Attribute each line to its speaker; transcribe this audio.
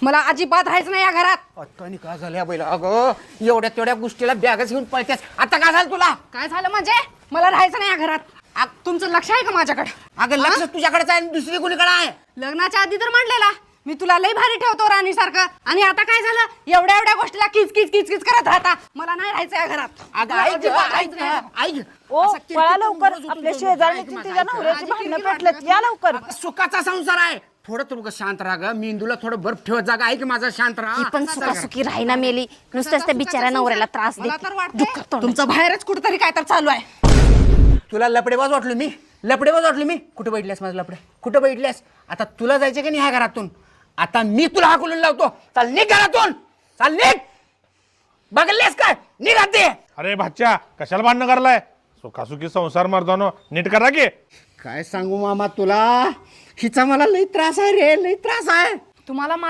Speaker 1: मला अजिबात राहायचं नाही या घरात.
Speaker 2: आता काय झालं बैला? अगं एवढ्या तेवढ्या गोष्टीला बॅगच घेऊन पळतेस. आता काय झालं तुला?
Speaker 1: काय झालं म्हणजे? मला राहायचं नाही या घरात. तुमचं लक्ष आहे का माझ्याकडे?
Speaker 2: अगं लक्ष तुझ्याकडेच आहे, दुसरी कोणीकडे आहे?
Speaker 1: लग्नाच्या आधी तर म्हणलेला मी तुला लई भारी ठेवतो राणी सारखं, आणि आता काय झालं? एवढ्या एवढ्या गोष्टीला किच किच किच किच करत राहता. मला नाही राहायचं या घरात.
Speaker 2: अगं ऐक
Speaker 3: ओ पळा लवकर, आपल्या शेजारणीची तिच्या नवऱ्याची भांडणं पेटलेत, या लवकर.
Speaker 2: सुखाचा संसार आहे. थोडं तू शांत राहा ग. मेंदूला थोडं बर्फ ठेवत जागा आहे की माझा शांत राहा.
Speaker 4: ती पण सुखासुखी राहीना मेली, नुसतंच त्या बिचाऱ्या नवऱ्याला त्रास
Speaker 1: मला
Speaker 4: देते.
Speaker 1: तर वाटतं तुमचं बाहेरच कुठेतरी काय तर चालू आहे.
Speaker 2: तुला लपडेबाज वाटलो मी? लपडेबाज वाटलो मी? कुठे बैठल्यास माझं लपडे? कुठे बैठल्यास? आता तुला जायचं की नाही ह्या घरातून? आता मी तुला हाकलून लावतो. चाल निघ घरातून, चाल निघ. बघलेस काय? निघ आते.
Speaker 5: अरे भाच्या, कशाला भांडणं करलाय? सुखासुखी संसार मर्दानो, नीट करा की.
Speaker 2: काय सांगू मामा तुला, हिचा मला लई त्रास आहे रे, लई त्रास आहे.
Speaker 1: तुम्हाला